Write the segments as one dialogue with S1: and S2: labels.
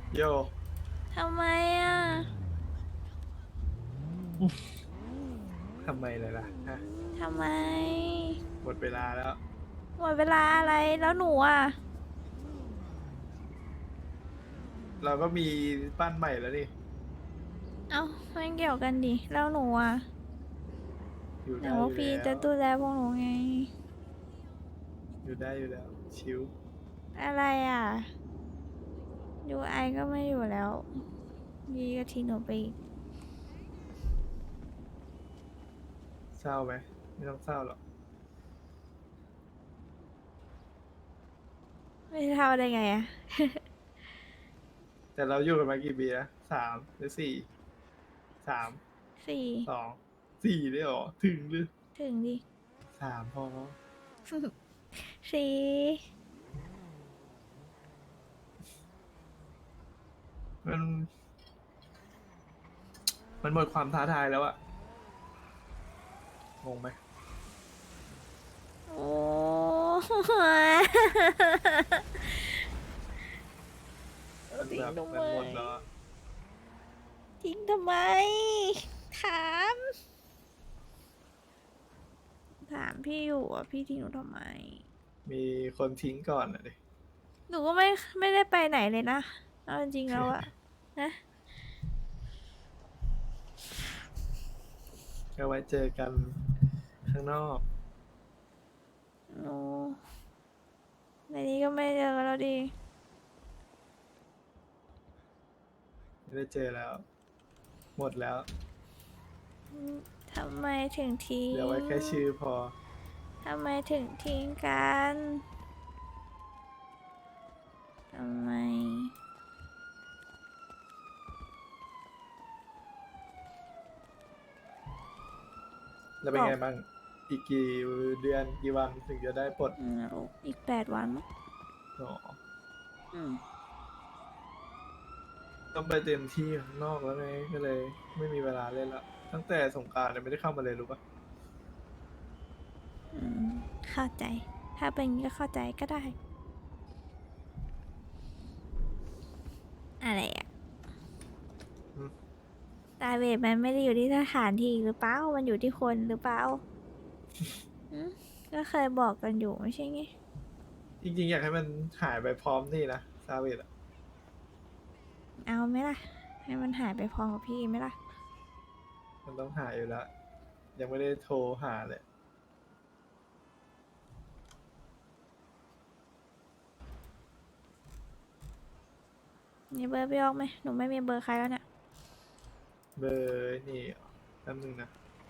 S1: โย
S2: ทำไมอ่ะ
S1: ทำไมเลยล่ะฮะ
S2: ทำไม
S1: หมดเวลาแล้ว
S2: หมดเวลาอะไรแล้วหนูอ่ะ
S1: เราก็มีบ้านใหม่แล้วนี่
S2: เอ้าไม่เกี่ยวกันดิแล้วหนูอ่ะ
S1: อยู่
S2: แต่ว่า
S1: ได้อยู่แล้ว
S2: พี่จะดูแลพวกหนูไง
S1: อยู่ได้อยู่แล้วชิว
S2: อะไรอ่ะยูไอก็ไม่อยู่แล้วยีก็ทิ้งหนูไปอีก
S1: เศร้าไหมไม่ต้องเศร้าหรอก
S2: ไม่เท่าได้ไงอ่ะ
S1: แต่เราอยู่กันมากี่ปีนะ3 หรือ 43
S2: สี่
S1: 2 4ได้หรอถึงหรือ
S2: ถึงดิ
S1: 3พอ
S2: สี่
S1: มันมันหมดความท้าทายแล้วอะงงไหม
S2: โอ้
S1: มัน
S2: ทิ้งทำไม
S1: แบบมันหมดแล้วอะ
S2: ทิ้งทำไมถามถามพี่อยู่อ่ะพี่ทิ้งหนูทำไม
S1: มีคนทิ้งก่อนอะดิ
S2: หนูก็ไม่ได้ไปไหนเลยนะเอาจริงๆแล้วอะนะ
S1: ก็ไว้เจอกันข้างนอก
S2: หนูในนี้ก็ไม่เจอกันแล้วดิ
S1: ไม่ได้เจอแล้ว หมดแล้ว
S2: ทำไมถึงทิ้
S1: เหลือไว้
S2: ง
S1: แค่ชื่อพอ
S2: ทำไมถึงทิ้งกันทำไม
S1: แล้วเป็น
S2: บอก
S1: ไงบ้าง อีกกี่เดือนกี่วันถึงจะได้ปลด
S2: อีก8 วันมั้ง
S1: อ๋อ
S2: อืม
S1: ต้องไปเต็มที่ข้างนอกแล้วไงก็เลยไม่มีเวลาเล่นละตั้งแต่สงกรานต์เนี่ยไม่ได้เข้ามาเลยรู้ปะ
S2: อืมเข้าใจถ้าเป็นอย่างนี้ก็เข้าใจก็ได้อะไรอะ
S1: อืม
S2: ตาเวทมันไม่ได้อยู่ที่สถานที่หรือเปล่ามันอยู่ที่คนหรือเปล่าอืมก็เคยบอกกันอยู่ไม่ใช่ไง
S1: จริงๆอยากให้มันหายไปพร้อมนี่นะซาเวตอะ
S2: เอาไหมล่ะให้มันหายไปพร้อมกับพี่ไหมล่ะ
S1: มันต้องหายอยู่แล้ว ยังไม่ได้โทรหาเลย
S2: มีเบอร์พี่ออกไหมหนูไม่มีเบอร์ใครแล้วเนี่ย
S1: เบอร์นี่แป๊บนึงนะ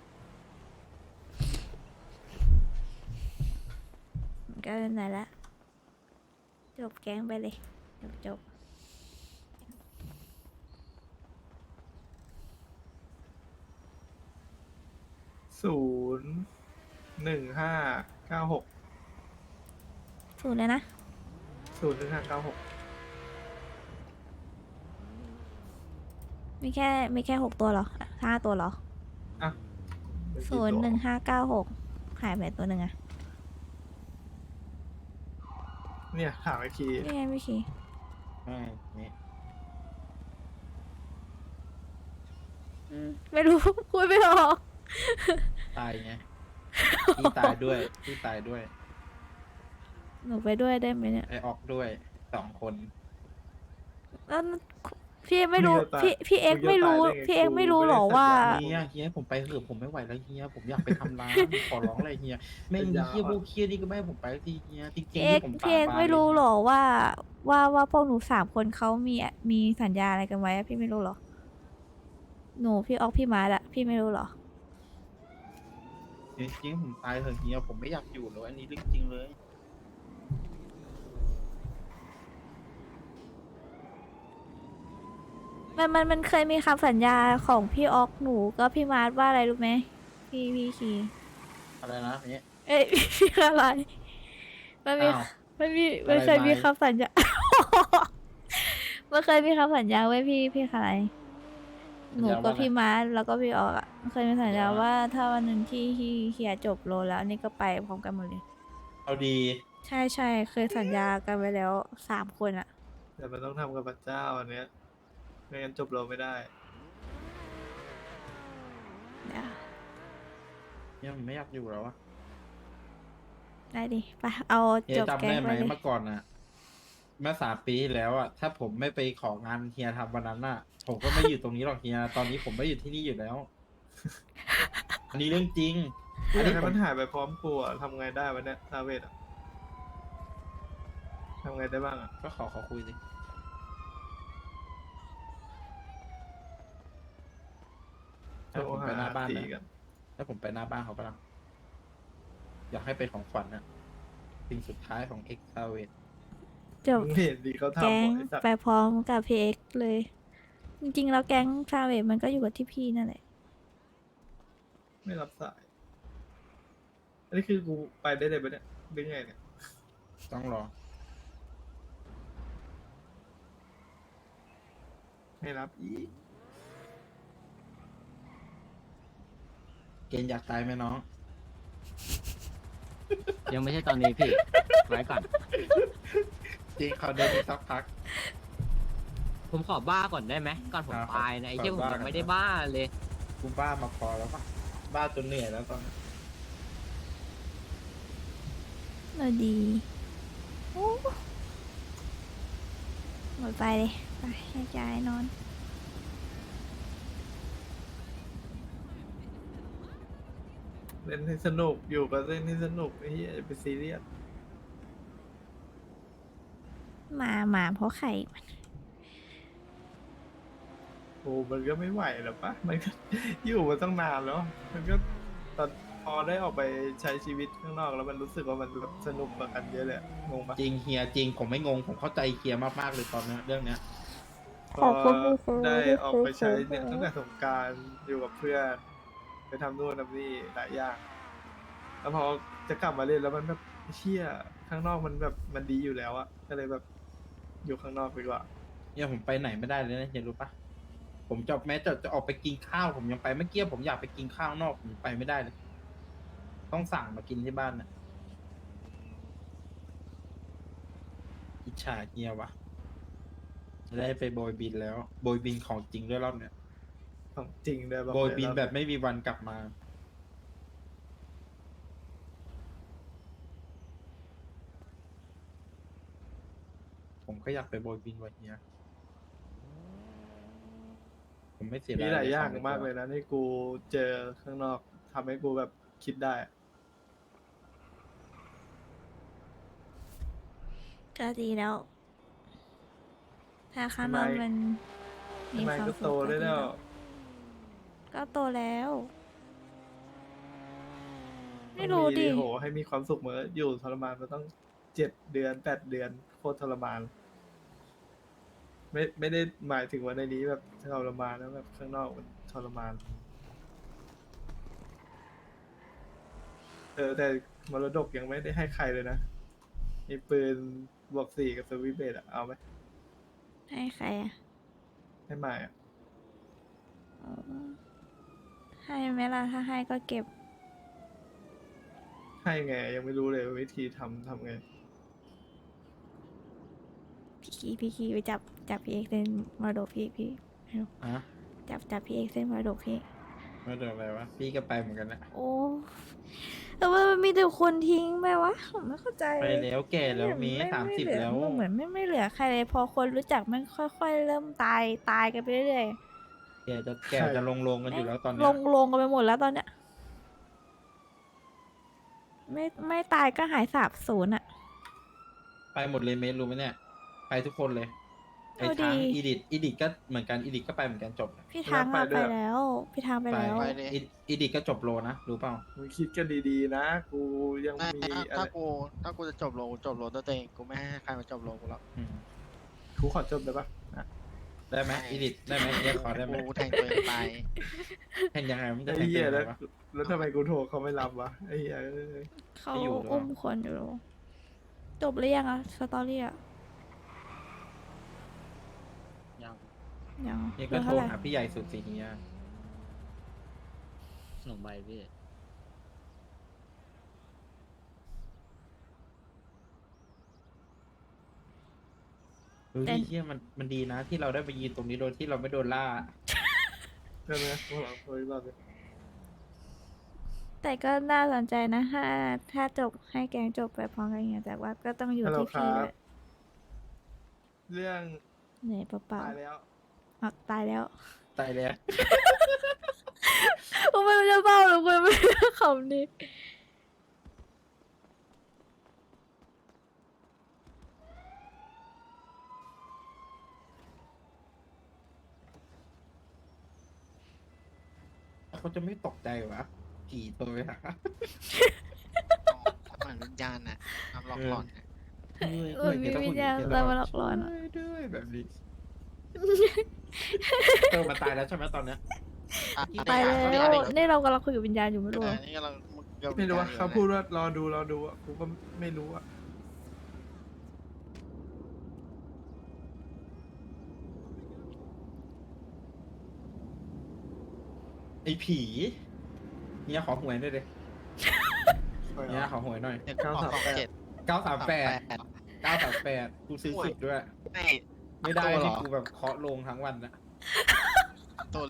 S2: ก็ไหนละจบแก๊งไปเลยจบ
S1: 01596
S2: สูตรเลยนะ
S1: 01596
S2: มีแค่6 ตัวเหรอ5 ตัวเหรอ
S1: อ่ะเป็น
S2: ศู
S1: กี่ตัว
S2: นย์หนึ่งห้าเก้าหกหายไปตัวหนึ่งอะ
S1: เนี่ยถามไอคี
S2: นี่ไงพี่คี
S3: ไม่เนี่ย
S2: ไม่รู้พูดไม่ออก
S3: ตายไงพี่ตายด้วยพี่ตายด้วย
S2: หนูไปด้วยได้ไหมเนี่ย
S3: ไอออกด้วย2 คน
S2: แล้วพี่ไม่รู้
S1: มึงจะตาย
S2: พี่เอ็
S1: มึงจะ
S2: กไม่รู้
S1: ตายได้ไง
S2: พี่เอ็ก
S1: กู
S2: ไม่รู้
S1: ไม่
S2: หรอว่า
S1: ได้สัญญา
S3: เฮียผมไปเถอะผมไม่ไหวแล้วเฮียผมอยากไปทำร้านขอร้องเลยเฮียแม่ง
S1: สัญญา
S3: เฮียพ
S1: อ่อน
S3: วกเฮียนี่ก็ไม่ให้ผมไปสักทีเฮียจริ
S2: พี่
S3: งๆ
S2: เอ็ก
S3: ที่ผมสา
S2: พี่เอ็ก
S3: บาน
S2: ไม่รู้
S3: เลยเฮีย
S2: หรอว่าพวกหนู3 คนเขามีสัญญาอะไรกันไว้อะพี่ไม่รู้หรอหนูพี่ออกพี่มาร์ทอะพี่ไม่รู้หรอ
S3: จริงๆผมตายเถอะเฮียผมไม่อยากอยู่แล้วอันนี้เรื่องจริงเลย
S2: มันเคยมีคำสัญญาของพี่ออกหนูก็พี่มาร์ทว่าอะไรรู้ไหมพี่คี
S3: อะไรนะเนี่ย
S2: เอ้ยพี่อะไรมันมี
S3: อ้าว
S2: มั
S3: อะไรไหม
S2: นเคยมีคำสัญญา มันเคยมีคำสัญญาไว้พี่อะไรหนูกับ
S3: สัญญาว่าอะไร
S2: พี่มาร์ทแล้วก็พี่ออกอ่ะเคยมีสัญญา
S3: สัญญาว่า
S2: ว่าถ้าวันหนึ่งที่เฮียจบโลแล้วนี่ก็ไปพร้อมกันหมดเลย
S3: เอาดี
S2: ใช่เคยสัญญากันไว้แล้ว3 คนอ่ะ
S1: แต่มันต้องทำกับพระเจ้าอันเนี้ยไม่งั้นจบโลไม่ได้
S2: เดี๋ยว
S3: เนี่ยผมไม่อยากอยู่แล้วอะ
S2: ได้ดิไปเอา
S3: เฮีย
S2: จบ
S3: จำ
S2: แก๊
S3: ได้
S2: ง
S3: ไห
S2: ไป
S3: ม
S2: เลย
S3: เมื่อก่อนอะเมื่อ3 ปีที่แล้วอะถ้าผมไม่ไปของานเฮียทำวันนั้นอะผมก็ไม่อยู่ตรงนี้หรอกเฮียตอนนี้ผมไม่อยู่ที่นี่อยู่แล้ว อันนี้เรื่องจริง
S1: กู
S3: อัน
S1: อยาก
S3: นี้
S1: ให้
S3: ผม
S1: มันหายไปพร้อมกูอะทำไงได้วะเนี่ยซาเวตอะทำไงได้บ้างอะ
S3: ก็ขอคุยสิ
S1: โท
S3: ถ้าร ผมไปหน้าบ้าน
S1: ตี
S3: นะ
S1: กัน
S3: ถ้าผมไปหน้าบ้านเขาปะล่ะอยากให้เป็นของขวัญนะสิ่งสุดท้ายของเอ็กซาเวต
S2: จบ
S1: มึงเห็นดีเขา
S2: แก๊
S1: ทำ
S2: ง
S1: บ่ไอ้สัตว์
S2: ไปพร้อมกับพีเอ็กเลย จริงๆแล้วแก๊งซาเวทมันก็อยู่กับที่พี่นั่นแหละ
S1: ไม่รับสาย อันนี้คือกูไปได้เลยปะเนี่ยหรือไงเนี่ย
S3: ต้องรอ
S1: ไม่รับอีก
S3: เกณฑ์อยากตายไหมน้อง
S4: ยังไม่ใช่ตอนนี้พี่ ไว้ก่อน
S3: จริงเขาเดินอีกสักพัก
S4: ผมขอบ้าก่อนได้ไหมก่อนผม
S3: ครับ
S4: ตายนะไอ้เชี่ย
S3: ข
S4: ผ
S3: อ
S4: ม
S3: บ้า
S4: ยังไม่
S3: ก่อน
S4: ได้บ้าเลย
S3: กูบ้ามาพอแล้วปะบ้าจนเหนื่อยแล้วตอนนี้
S2: เราดีโอ้หมดไปเลยไปแยกย้ายนอน
S1: เล่นให้สนุกอยู่กับเล่นให้สนุกไอ้เหี้ยอย่าไปซีเรียส
S2: มาเพราะไข่
S1: โอ้มันก็ไม่ไหวหรอกปะมันก็ อยู่มาตั้งนานแล้ว มันก็ตอนพอได้ออกไปใช้ชีวิตข้างนอกแล้วมันรู้สึกว่ามันแบบสนุกกว่ากันเยอะเลยอะงงปะ
S3: จริงเฮียจริงผมไม่งงผมเข้าใจเฮียมากๆเลยตอนเนี้ยเรื่องเนี้ย
S1: พอได้ออกไปใช้เนี่ยตั้งแต่สงกรารอยู่กับเพื่อนไปทำนู่นทำนี่หลายอย่าง แล้วพอจะกลับมาเล่นแล้วมันแบบเชี่ยข้างนอกมันแบบมันดีอยู่แล้วอะก็เลยแบบอยู่ข้างนอกดีกว่า
S3: เนี่ยผมไปไหนไม่ได้เลยนะเฮียรู้ปะผมจะแม้จะออกไปกินข้าวผมยังไปเมื่อกี้ผมอยากไปกินข้าวนอกผมไปไม่ได้เลย ต้องสั่งมากินที่บ้านน่ะอิจฉาเฮียวะได้ไปโบยบินแล้ว โบยบินของจริงด้วยรอบเนี้ย
S1: ของจริงเลยบอก
S3: โบย
S1: เลย
S3: บิน
S1: รอ
S3: แบบไม่มีวันกลับมา ผมก็อยากไปโบยบินวันเนี้ยผมไม่เสียดาย
S1: มีหลายอย่าง
S3: ขใน
S1: มาก
S3: ตัว
S1: เลยนะที่กูเจอข้างนอกทำให้กูแบบคิดได้
S2: ก็ดีแล้ว ถ้าข้างนอกมันมี
S1: ทำไม
S2: ความ
S1: ก็
S2: สุ
S1: โต
S2: ขก็
S1: ได้
S2: ดี
S1: แล้
S2: แล้ว ว ก็โตแล้ว ไม่รู้ดิ
S1: โหให้มีความสุขเหมือนอยู่ทรมานมาต้อง7 เดือน8 เดือนโคตรทรมาน ไม่ได้หมายถึงว่าในนี้แบบทรมานนะแบบข้างนอกมันทรมาน แต่มรดกยังไม่ได้ให้ใครเลยนะ มีปืนบวก 4กับสวิสเบตอะเอาไหม
S2: ให้ใครอ่ะ
S1: ให้ใหม่อะ
S2: อ๋อให้ไหมล่ะ ถ้าให้ก็เก็บ
S1: ให้ไงยังไม่รู้เลยวิธีทำไง
S2: พี่คีไปจับพี่เอกเส้นมรดกพี่
S3: อะ
S2: จับพี่เอกเส้นมรดกพี่
S3: ไม่เดืออะไรวะพี่ก็ไปเหมือนกันแหละ
S2: โอ้แต่ว่ามันมีแต่คนทิ้งไปวะผมไม่เข้าใจ
S3: ไปแล้วแก่แล้วมี
S2: ไ
S3: 30
S2: เหลือ
S3: แล้ว
S2: เหมือนไม่เหลือใครเลย พอคนรู้จักมันค่อยๆ เริ่มตายกันไปเรื่อย
S3: แก่จะลงกันอยู่แล้วตอน
S2: ๆ
S3: เนี้
S2: ล
S3: ย
S2: งกันไปหมดแล้วตอนเนี้ยไม่ตายก็หายสาบสูญอ่ะ
S3: ไปหมดเลยเมสรู้ไหมเนี่ย ไปทุกคนเลยไอ้
S2: เอา
S3: ทั้ง
S2: ดี
S3: อีดิทก็เหมือนกันอีดิทก็ไปเหมือนกันจบ
S2: พี่ทาง
S1: ไป
S2: อะ
S1: ด้
S2: ไป
S1: วย
S2: แล้ว พี่ทางไปแล้ว
S3: อีดิทก็จบโลนะรู้เปล่า
S1: มึงคิดกันดีๆนะ กูยัง
S5: ไม่
S1: มีอะไร
S5: ถ้ากูจะจบโลด้วยตัวเองกูไม่ให้ใครมาจบโลกูแล้ว
S3: อืม
S1: กูขอจบได้ปะนะ
S3: ได้ไหมอีดิทได้ไหมเรียกขอได้ไหม
S5: กูแทงตัวเองตาย
S3: แทงยังไงมันจะ
S1: ไอ้
S3: แทง
S1: เหี้ย
S3: ยังไง
S1: แล้ว
S3: วะ
S1: แล้วทำไมกูโทรเขาไม่รับวะไอ้เหี้ยเอ้ย
S2: เขา
S3: ไม่อยู่หรอ
S2: อุ้มคนอยู่ จบหรือยังอะสตอรี่อะ
S4: ยัง
S2: ยัง
S3: นี่
S2: เห
S3: ก็
S2: ลือ
S3: โทร
S2: เท่าไหร่
S3: หาพี่ใหญ่สุดสิเฮีย
S4: หนุ่มใบพี่
S2: แต่
S3: เฮียมันดีนะที่เราได้ไปยืนตรงนี้โดยที่เราไม่โดนล่า
S1: ใช่ไหมพวกเราคุยรอบเลย
S2: แต่ก็น่าสนใจนะถ้าจบให้แกงจบไปพร้อมกันอย่างเงี้ยแต่ว่าก็ต้องอยู่
S1: ฮัลโหล
S2: ที่
S1: ค
S2: พี่
S1: รั
S2: ด้
S1: บ
S2: วย
S1: เรื่อง
S2: เหนื่อยเปล่า
S1: ตายแล้ว
S2: ๆตายแล้ว
S3: ตายแล้ว
S2: ผมไม่รู้จะเศร้าหรือไม่รู้คำนี้
S3: เขาจะไม่ตกใจวะผีโทรไปหา
S5: ถ้าเหมือนวิญญาณน่ะทำหลอกหลอนน่ะ
S2: เออมีวิญญาณตามมาหลอกหลอนอะ
S3: ช่วยด้วยแบบนี้มันตายแล้วใช่ไหมตอนเนี้ย
S2: ตายแล้ว
S5: อันนี้
S2: นี่เรากำลังคุยกับวิญญาณอยู่ไม่รู้
S5: อั
S2: อะ
S5: นนี้กำลังกับ
S1: ไม่รู้ว่า
S5: วิญญณอยู่
S1: เขาพูดว่ารอดูอ่ะกูก็ไม่รู้อ่ะ
S3: ไอ้ผีเนี่ยขอหวยด้วยเลยเนี่ยขอหวยหน่อย
S5: เดี๋ยวก็ออก7
S3: 938 938กูซื้อสุดด้วย
S5: ไม่
S3: ไม่ได้
S5: ตัวเหร
S3: ที่
S5: อ
S3: กูแบบเคาะลงทั้งวันนะ
S5: ตัว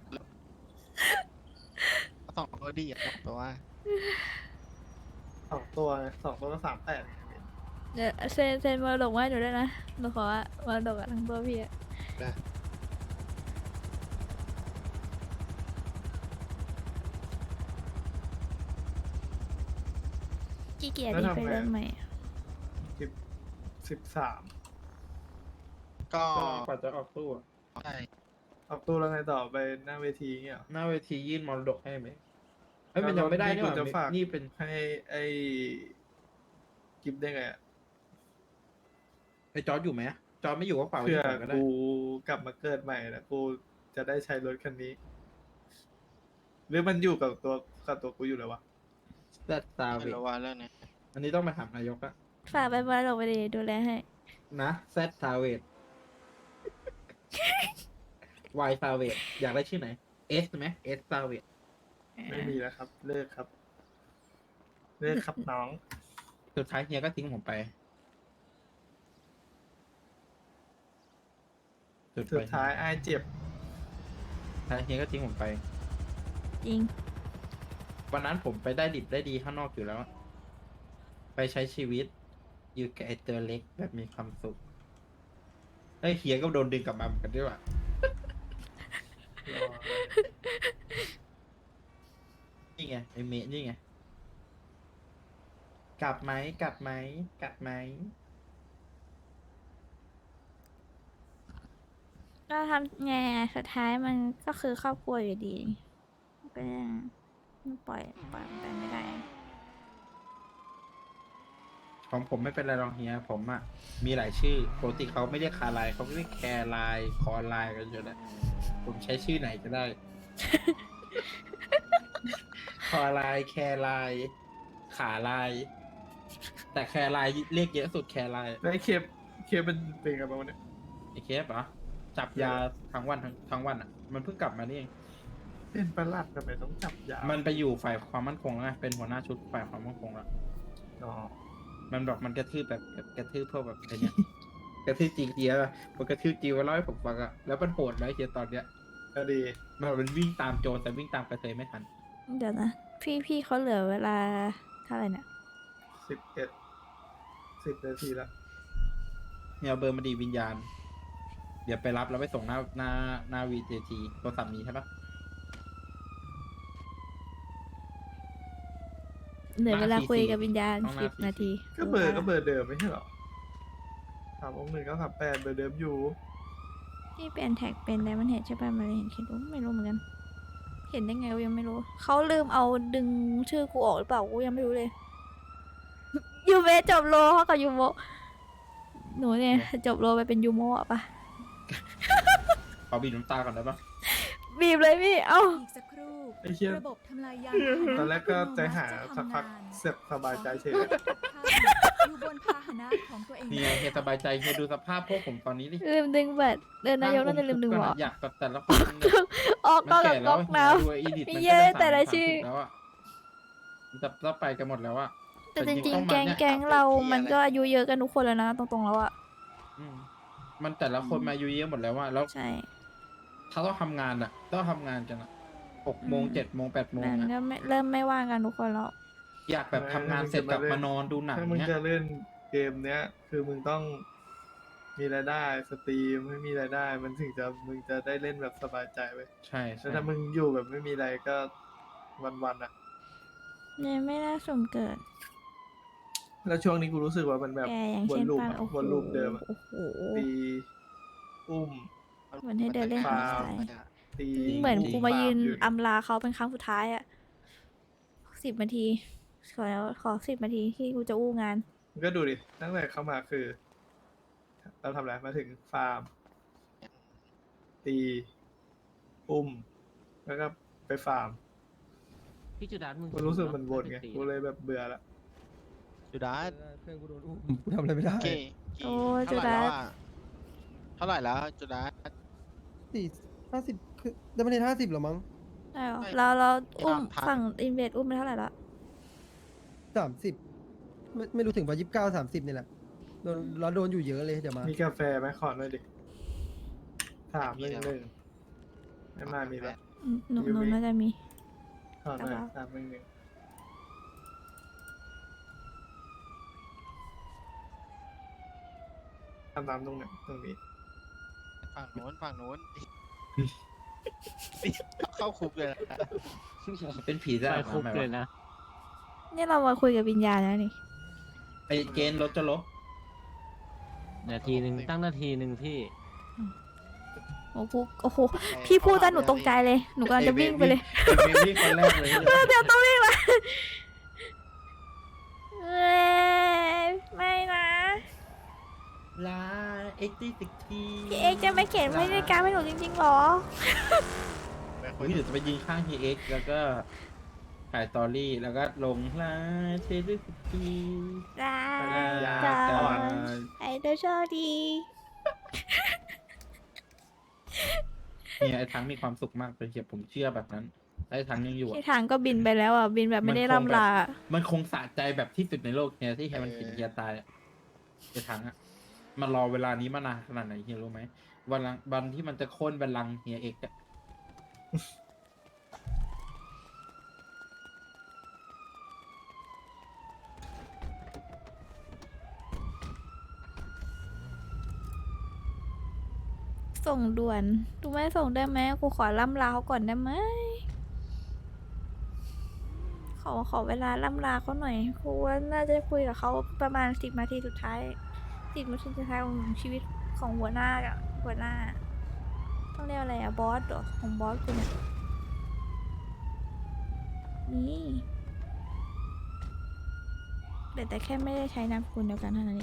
S5: สองตัวดีอ่ะตัวว่า
S1: 2 ตัวไง2 ตัวก็38
S2: เดี๋ยวเซนมาดกมาให้หนูด้วยนะหนูขอมาดกอะทั้งตัวพี่อะ
S5: ได้
S2: ขี้เกียจดีไปเริ่มใหม่อะ
S1: 13
S5: ก็
S3: กว่าจะออกตู้อะ
S5: ใช่
S1: ออกตัวแล้วไงต่อไปหน้าเวทีเงี้ยเหรอ
S3: หน้าเวทียื่นมรดกให้ไหมเฮ้ยมันยังไม่ได้นี่ห
S1: กู
S3: ว่า
S1: จะฝาก
S3: นี่เป็น
S1: ให้ไอ้กิฟได้ไงอ่ะ
S3: ไอ้จอร์จอยู่ไหมจอร์จไม่อยู่ก็ฝากไว้
S1: เพื่อ
S3: ที่ก่อนก็ได้
S1: กูกลับมาเกิดใหม่นะกูจะได้ใช้รถคันนี้ หรือมันอยู่กับตัวกูอยู่เลยวะ
S3: แซดซาเว
S5: ไม่
S3: ต
S5: รู้ว่าเรื่องนี้
S3: อันนี้ต้องมาถามนายกอะ
S2: ฝากไปมาดกไปดีดูแลให้
S3: นะแซดซาเวตวายซาเวตอยากได้ชื่อไหนเอสไหมเอสซาเวต
S1: ไม่มีแล้วครับ เลิกครับ เลิกครับน้อง
S3: สุดท้ายเฮียก็ทิ้งผมไป
S1: สุดท้ายไอ้ายเจ็บ
S3: สุดท้ายเฮียก็ทิ้งผมไป
S2: จริง
S3: วันนั้นผมไปได้ดิบได้ดีข้างนอกอยู่แล้ว ไปใช้ชีวิต อยู่กับไอตัวเล็กแบบมีความสุขไอ้ยเฮียก็โดนดึงกลับมาเหมือนกันด้วยว่ะนี่ไงไอเมะนี่ไง กลับไหมกลับไหมกลับไหม
S2: ก็ทำไงอะสุดท้ายมันก็คือครอบครัวอยู่ดีก็ยังปล่อยมันไปไม่ได้
S3: ของผมไม่เป็นไรหรอกเฮียผมอะมีหลายชื่อปกติเขาไม่เรียกคาไลน์เขาเรียกแคร์ไลน์คอไลน์กันอยู่แล้วผมใช้ชื่อไหนก็ได้ คอไลน์แคร์ไลน์ขาไลน์แต่แคร์ไลน์เรียกเยอะสุดแคร์ไลน์
S1: แล้วไอ้เคปมันเป็นไงบ้างวะเนี่ย
S3: ไอเคฟเหรอจับยาทั้งวันทั้งวันอะมันเพิ่งกลับมานี่เอง
S1: เป็นประหลัดทำไมต้องจับยา
S3: มันไปอยู่ฝ่ายความมั่นคงแล้วไงเป็นหัวหน้าชุดฝ่ายความมั่นคงแล้ว
S1: อ๋อ
S3: มันบอกมันกระทืบแบบกระทืบพวกแบบอะไรเงี้ย กระทืบจริงเดียวอะมันกระทืบจริงมาเล่าให้ผมฟังอะแล้วมันโหดไหมเฮียตอนเนี้ย
S1: ก็ดี
S3: มันวิ่งตามโจรแต่วิ่งตามกระเทยไม่ทัน
S2: เดี๋ยวนะพี่เขาเหลือเวลาเท่าไหร่เนี่ย
S1: 10 นาทีละ
S3: เนี่ยเอาเบอร์มาดีวิญญาณ เดี๋ยวไปรับแล้วไปส่งหน้าวีเทีโทรศัพท์นี้ใช่ปะ
S2: เหลือเวลาคุยกับวิญญาณ
S3: ต้องมา
S2: 10 นาที
S1: ก็เบอร์เดิมไม่ใช่เหรอ361 938เบอร์เดิมอยู่
S2: พี่เป็นแท็กเป็นไดมันเห็นใช่ป่ะมันเลยเห็นคิดว่าไม่รู้เหมือนกัน เห็นได้ไงก็ยังไม่รู้เขาลืมเอาดึงชื่อกูออกหรือเปล่ากูยังไม่รู้เลย ยูเมะจบโลเขากับยูโมะหนูเนี่ยจบโลไปเป็นยูโมะปะ
S3: ขอบีบน้ำตาก่อนได้ปะ
S2: บีบเลยพี่เอ้า
S6: อีกสักครู่
S1: ไอ้เชี่ย
S6: ระบบทำลายยาน
S1: ตอนแรกก็ใจหายสักพักเสร็จสบายใจเฉย
S6: อยู่บนพาหนะของตัวเอง
S3: เนี่ยเฮียสบายใจเฮียดูสภาพพวกผมตอนนี้ดิ
S2: ลืมดึงบัตรเดินนายกน่าจะลืมดึงหัว
S3: อยากแบบแต่ละคนมัน
S2: ออก
S3: มัน
S2: ก็
S3: แก่
S2: กับ
S3: แล้
S2: ก๊
S3: ว
S2: อก
S3: เฮี
S2: น้
S3: ยดูอีดิท
S2: มี
S3: มัน
S2: เยอะแต่ละชื่อ
S3: 30แล้วอะมันจะไปกันหมดแล้วอะ
S2: ำแต่จริงๆแก๊งเรามันก็อายุเยอะกันทุกคนแล้วนะตรงๆแล้วอะ
S3: อืมมันแต่ละคนมาอายุเยอะหมดแล้วว่าแล้ว
S2: ใช่
S3: เขาต้องทำงานอะต้องทำงานกันอะ6 โมง 7 โมง 8 โมง
S2: มัน
S3: อะ
S2: ก็ไม่เริ่มไม่ว่างกันทุกคนแล้ว
S3: อยากแบบทำงานเสร็จกลับมานอนดูหนัง
S1: ถ้ามึง
S3: เนี้ย
S1: จะเล่นเกมเนี้ย คือมึงต้องมีรายได้สตรีมไม่มีรายได้ มันถึงจะมึงจะได้เล่นแบบสบายใจไป
S3: ใช่
S1: แต่ถ้ามึงอยู่แบบไม่มีอะไรก็วันๆอ่ะ
S2: เนี่ยไม่น่าสมเกิด
S1: แล้วช่วงนี้กูรู้สึกว่ามันแบบ
S2: แกอย่าง
S1: ว
S2: เช่
S1: น
S2: น
S1: ลูป
S2: ปา
S1: อะ
S2: โอ้โห
S1: วนลูปเดิมอะ
S2: โอ้โห
S1: ตีอุ้ม
S2: เหมือนให้เดินเล่น
S1: ฟาร์ม
S2: หาสาย
S1: ตี
S2: เหมือนกูมายืน
S1: อยู่
S2: อำลาเขาเป็นครั้งสุดท้ายอะ10 นาทีขอ10 นาทีที่กูจะอู้งาน
S1: มึงก็ดูดิตั้งแต่เข้ามาคือ เราทำอะไรมาถึงฟาร์ม ตีอุ้ม แล้วก็ไปฟาร์ม
S4: พี่จุดามึง
S1: กูรู้สึกมันวนไง
S4: ตี
S1: กูเลยแบบเบื่อละ
S5: จุดา
S7: เพื่อนกูโดนอุ้มกูทำอะไรไม่ได้
S5: กี่
S2: โอ้
S5: เท่าไหร่แล้ว
S2: จุดา
S5: อะเท่าไหร่แล้วจุดา
S7: 50คือได้ประเด็น50หรอมั้ง
S2: ได้เหรอ
S5: ไม่
S2: เราอุ้ม
S5: พัน
S2: ฝั่งอินเวดอุ้มไปเท่าไหร่ละ
S7: 30ไม่รู้ถึงป่ะ29 30นี่แหละโดนเราโดนอยู่เยอะเลยเดี๋ยวมา
S1: มีกาแฟไหมขอหน่อยดิ311ไม่มามีละ
S2: หนูน่าจะมี
S1: ขอหน่อย
S2: ครับ
S1: 311ทำตามตรงไหนตรงนี้
S5: ฝั่งโน้นเข้าคุกเลยนะ
S3: เป็นผีได้
S4: ไป
S3: หรอ
S4: คุก
S3: ไหม
S4: เลยว
S3: ะ
S4: นะ
S2: นี่เรามาคุยกับวิญญาณแล้วนี่
S3: ไอเกณฑ์รถจะลบ
S4: นาทีหนึ่งตั้งนาทีหนึ่งพี่
S2: โอ้โหโอ้โห พี่พูดแต่หนูตกใจเลย หนูกำลังจะวิ่งไปเลย
S3: เป็นเบบี้คนแรกเลย
S2: เดี๋ยวต้องวิ่งละเอ้ยไม่นะ
S3: ลาเอ็กซ์ติกที
S2: พี่เอ็กซ์จะไม่เขียนไว้ในการให้หนูจริงๆหรอ
S3: เดี๋ยวจะไปยิงข้างทีเอ็กซ์แล้วก็ถ่ายสตอรี่แล้วก็ลงลาเทลิสที
S2: ได้
S1: ยา
S2: จ้า
S1: ก่อน
S2: ไอ้เด้อโชคดี
S3: เนี่ยไอ้ทั้งมีความสุขมากเลยเชียผมเชื่อแบบนั้นไอ้ทั้งยังอยู่
S2: ที่
S3: อะ
S2: ทางก็บินไปแล้วอ่ะ บินแบบไม่ได้ร่ำลา
S3: มันคงสะใจแบบที่สุดในโลกเนี่ยที่แค่มันกินเฮียตายอะไอ้ทั้งอะมันรอเวลานี้มานานขนาดไหนเฮียรู้ไหมวันที่มันจะโค่นบัลลังก์เฮียเอกอะ
S2: ส่งด่วนดูไม่ส่งได้ไหมกูขอล่ำลาเขาก่อนได้ไหม ขอเวลาล่ำลาเขาหน่อยกูว่าน่าจะคุยกับเขาประมาณ10 นาทีสุดท้าย10 นาทีสุดท้ายของชีวิตของหัวหน้าอะหัวหน้า ต้องเรียกอะไรอะบอสเหรอของบอสกูเนี่ยนี่แต่แค่ไม่ได้ใช้นามสกุลเดียวกันเท่านั้นเอง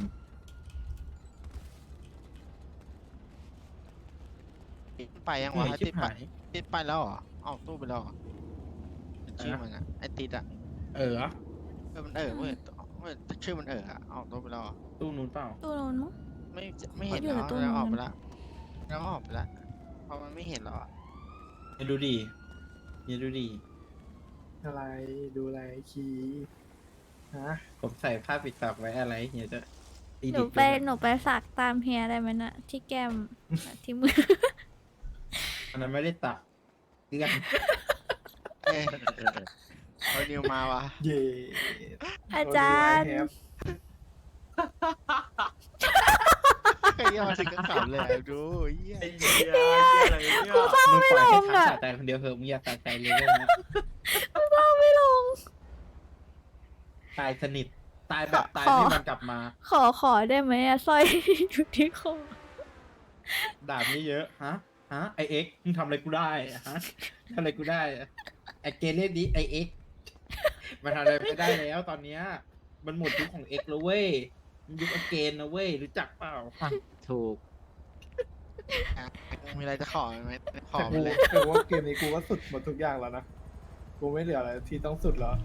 S5: ไปยังวะ
S3: เหนื่อยชิ
S5: ติ
S3: บ
S5: ดไป
S3: หาย
S5: ติดไปแล้วเหรอเอ้าตู้ไปแล้วเหรอชื่อมันอะไอติดอะ
S3: เออ
S5: มันเว้ยชื่อมันอะเอ้าตู้ไปแล้วเหรอ
S3: ตู้นู้นเปล่า
S2: ตู้โน้นมั้ง
S5: ไม่เห็น
S2: อยู่
S5: แล้
S2: ใน
S5: ว
S2: ตู้
S5: แล้วออก
S2: นู้
S5: ไป
S2: น
S5: ละแล้วออกไปละเพราะมันไม่เห็นแล้วอะ
S3: เฮียดูดีเฮียดูดี
S1: อะไรดูอะไรคีฮะ
S3: ผมใส่ผ้าปิดปากไว้อะไรเฮียจะตี
S2: ห
S3: ดิ
S2: นู
S3: บ
S2: ไปหนูไปสักตามเฮียได้ไหมนะที่แก้ม ที่มือ
S3: อันนั้นไม่ได้ตักเลื่อน
S5: เอ้ยเอานิวมาวะ
S1: เย่
S2: อาจารย์
S5: ไอ้เหี้ยมาถึงก็ขำเลยอะดูเหี้ย
S2: กูเศร้า
S3: มึง
S2: ไม่
S3: ปล่
S2: ล
S3: อยให้
S2: ง
S3: ทั้ง
S2: อ่ะ
S3: สะใจคนเดียวเถอะมึงอย่าสะใจเลยเรื่องนี้
S2: เศร้าไม่ลง
S3: ตายสนิทตายแบบตายให้มันกลับมา
S2: ขอได้ไหมอะสร้อย อยู่ที่คอ
S3: ด่าไม่เยอะฮะไอเอ็กมึงทำอะไรกูได้อะฮะทำอะไรกูได้อะไอเกเรดีไอเอ็กมันทำอะไรไม่ได้แล้วตอนเนี้ยมันหมดยุคของเอ็กแล้วเว้ยมันยุคอเกนนะเว้ยรู้จักเปล่า
S4: ถูก
S5: มีอะไรจะขอไหมขอ
S1: แต่
S5: ไป
S1: กู
S5: เลย
S1: แต่ว่าเกมนี้กูว่าสุดหมดทุกอย่างแล้วนะ กูไม่เหลืออะไรที่ต้องสุดแล้ว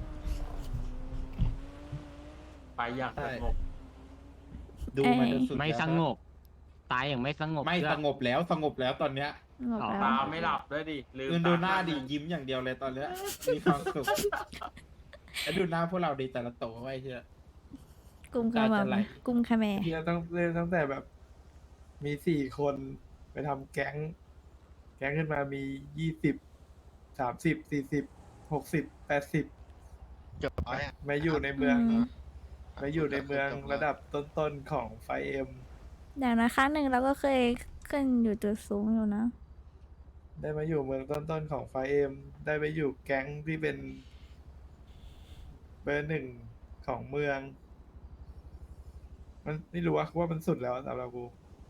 S8: ไปอย่างสงบ
S3: ดูมันจนสุด
S4: ไม่
S3: แล้ว
S4: สงบ ตายอย่างไม่สงบ
S3: ไม่
S4: เพื่อ
S3: สงบแล้วตอนเนี้ย
S2: หมด
S4: อ๋อ
S2: แล้ว
S8: ตาไม่หลับด้วยดิลืม
S3: เงินดูหน้า
S8: ต
S3: ดิยิ้มอย่างเดียวเลยตอนเนี้ยมีความสุขแล้วดูหน้าพวกเราดีแต่ละโตไว้เชื่อก
S2: ลุ่มขมั
S3: ตาจะไหล
S2: กลุ่มขแม
S1: ที่เราต้องเล่นตั้งแต่แบบมี4 คนไปทำแก๊ง แก๊งขึ้นมามี20 30 40 60 80
S5: จบร้อยอ่ะ
S1: มาอยู่ในเมือง
S2: อืม
S1: มาอยู่ในเมืองระดับต้นๆของไฟเอ็ม
S2: อย่างนะครั้งหนึ่งเราก็เคยขึ้นอยู่จุดสูงอยู่นะ
S1: ได้มาอยู่เมืองต้นๆของไฟเอ็มได้ไปอยู่แก๊งที่เป็นเบอร์ 1ของเมือง มันไม่รู้ว่ามันสุดแล้วสำหรับกู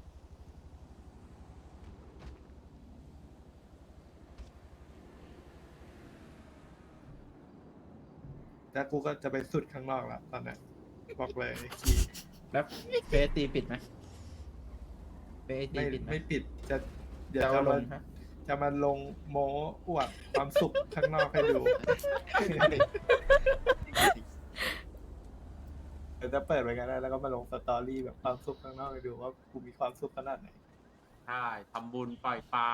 S1: แล้วกูก็จะไปสุดข้างนอกแล้วตอนนี้บอกเลยคี
S3: แล้วเฟสตีปิดไหมเฟสตี
S1: ไม่
S3: ปิดไหม
S1: ไม่ปิดจะเดี๋ยว
S3: จะ
S1: จะ
S3: เอาล
S1: มาง
S3: ฮะ
S1: จะมาลงโม้อวดความสุขข้างนอกให้ดู เดี๋ยวจะเปิดไปกันได้แล้วก็มาลงสตอรี่แบบความสุขข้างนอกให้ดูว่ากูมีความสุขขนาดไหน
S8: ใช่ทำบุญปล่อยปลา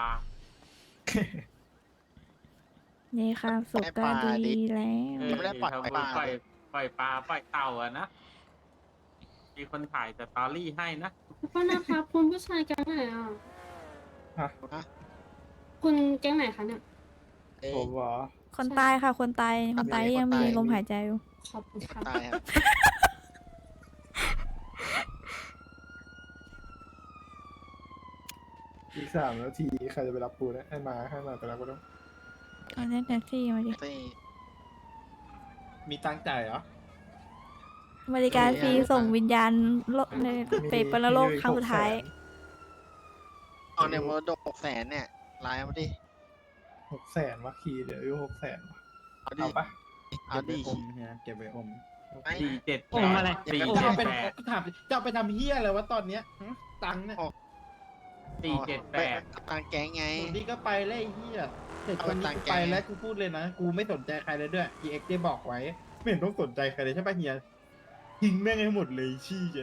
S2: นี่ค่ะสุขก็ดีแล้ว
S5: ยังไม่ได้ปล่อย
S8: ทำ
S5: ไป
S8: บุญ
S5: บ้าน
S8: ปล่อยปล่อยปลาปล่อยเต่าอะนะ มีคนถ่ายสตอรี่ให้นะ
S9: ขอโทษนะครับคุณผู้ชายแก๊งไหนอ่ะ
S1: ฮะ
S9: คุณแก๊งไหนคะเนี่ย
S5: เอ้ย
S1: ผมเหรอ
S2: คนตายค่ะ คนตาย คนตายยังมีลมหายใจอยู่
S9: ขอบคุณครับ
S5: ตายครับ
S1: อีก3 นาทีใครจะไปรับปูนะให้มาไปรับกูต้อง
S2: เอาเล่นแท็กซี่มาดิ
S5: ที่
S3: มีตังค์จ่ายเหรอ
S2: บริการฟรีส่งวิญญาณโลกในไปปรโลกครั้งสุดท้าย
S5: เอาเนี่ยมรดก600,000เนี่ยไลน์มาดิ
S1: 600,000วะคีเดี๋ยวอยู่600,000วะ
S5: เอาดิ
S1: เอาปะ
S5: เอา
S3: เก็บ
S5: ดิ
S3: ไว้อมเนี่ยเก็บไว้อม
S5: ไม่
S8: 478
S4: อมอะไร
S3: จะเอาไป
S8: 478
S3: ถามจะเอาไปทำเฮียอะไรวะตอนเนี้ยฮะตังค์เนี่ย
S8: 478
S5: ทางแก๊งไง
S3: คนนี้ก็ไปแล้วไอ้เฮียเสร็จ
S5: เอา
S3: ค
S5: ไป
S3: นนี้
S5: ตัง
S3: กู
S5: ค์แก
S3: ไปแล้วกูพูดเลยนะ กูไม่สนใจใครเลยด้วย GX ได้บอกไว้ ไม่เห็นต้องสนใจใครเลยใช่ปะเฮียทิ้งแม่งให้หมดเลยชี้แก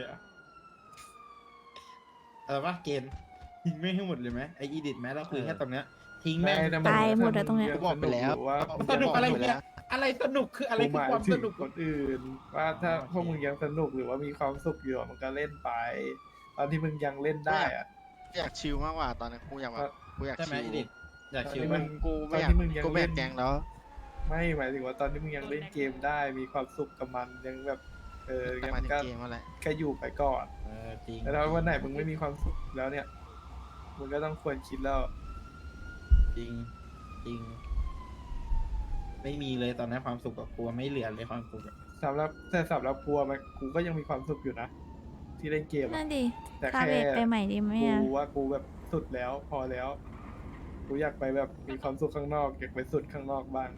S3: ว่าเกณฑ์ทิ้งแม่งให้หมดเลยไหมไออีดิทไหมเราคุยแค่ตรงเนี้ยทิ้งแม่ง
S1: แต่
S2: ตายหมดอะตรงเนี้ย
S1: ถ้า
S5: บอกไปแล้ว
S1: ว่า
S3: สนุกอะไร
S5: บอกไป
S3: เนี่
S5: แล้
S3: ยว อะไรสนุกคืออะไร
S1: กู
S3: คือ
S1: หมาย
S3: ความ
S1: ถึ
S3: ส
S1: ง
S3: นุก
S1: คนอื่น ว่าถ้า
S3: โอเค
S1: พวกมึงยังสนุกหรือว่ามีความสุขอยู่อะมันก็เล่นไป ตอนที่มึงยังเล่นได้อะ
S5: อยากชิลมากกว่าตอนนั้นกูอยากแบบกูอยาก
S3: ใช่ไหม
S5: ชิล
S3: อีดิทอยากชิว
S1: ตอน
S3: มั้
S1: ที่
S3: ย
S5: กูไม่อยาก
S1: ตอนที่มึงยัง
S5: กูไม่อยาก
S1: เล่น
S5: แก๊งแล้ว
S1: ไม่หมายถึงว่าตอนที่มึงยังเล่นเกมได้มีความสุขกับมันยังแบบ
S5: แต่
S1: ยัง
S5: มาถึง
S1: ก็
S5: เกมอะไร
S1: แค่อยู่ไปก่อน
S3: จริง
S1: แต่ถ้าวันไหนมึงไม่มีความสุขแล้วเนี่ยมึงก็ต้องควรคิดแล้ว
S3: จริงจริง ไม่มีเลยตอนนั้นความสุขกับกลัวไม่เหลือเลยความสุขอะ
S1: สำหรับกูอะมันกูก็ยังมีความสุขอยู่นะ ที่เล่นเกมอะ
S2: นั่นดิ
S1: แต่
S2: คา
S1: แค่
S2: เบไปใหม่ดีไหม
S1: กู
S2: อ่ะ
S1: ว่ากูแบบสุดแล้วพอแล้ว กูอยากไปแบบมีความสุขข้างนอกอยากไปสุดข้างนอกบ้าง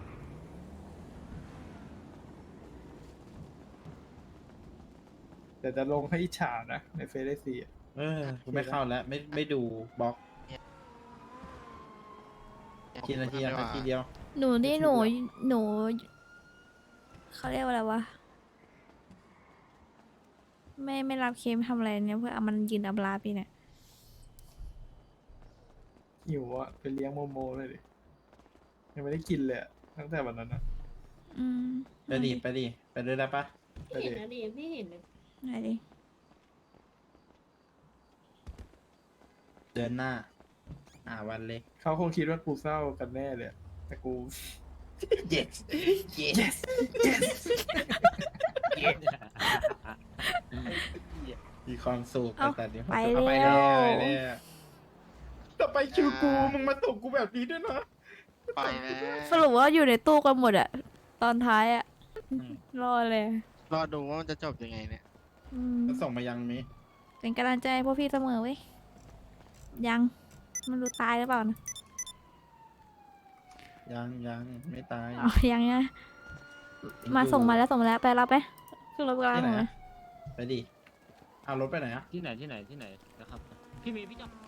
S1: แต่จะลงให้อิจฉานะในเฟซได้สี่
S3: กูไม่เข้าแล้ว ไม่ดูบล็อกทีนาทีนาทีเดียว
S2: หนูนี่หนูเขาเรียกว่าอะไรวะ ไม่รับเคมทำอะไรเนี่ยเพื่อเอามันยืนอับลาปีเนี่ย
S1: หิวอะไปเลี้ยงโมโมเลยดิยังไม่ได้กินเลยอะตั้งแต่วันนั้นอะ
S2: อืม
S3: ไปดิไปด้วยได้ปะ
S9: ไม่เห็นนะดิไม่เห็นเลย
S2: ไหนดิ
S3: เดือนหน้า วันเล็ก
S1: เขาคงคิดว่ากูเศร้ากันแน่เลยอะแต่กู
S3: yes yes yes มีความสุข
S2: เอ้า
S3: แต่เดี๋ยว
S2: ไป
S3: เอาไป
S2: แล้
S3: แล้ว
S2: ว
S3: ต่อไปคิวกูมึงมาส่งกูแบบนี้ด้วยนะ
S5: ไปนะ
S2: สรุปว่าอยู่ในตู้กันหมดอะตอนท้ายอะ
S3: อืม
S2: รอเลย
S5: รอดูว่ามันจะจบยังไงเนี่ย
S2: อืม
S3: แล้วส่งมายังมี
S2: เป็นกำลังใจให้พวกพี่เสมอเว้ย ยังมันรู้ตายหรือเปล่านะ
S3: ยังไม่ตาย
S2: อ๋อยังนะมาส่งมาแล้วไปรับไปขึ้นรถกลาง
S3: ที่ไหน
S2: หน่อย
S3: อะไปดิเอารถไปไหนอะ
S4: ที่ไหนนะครับ พี่เมย์พี่จอม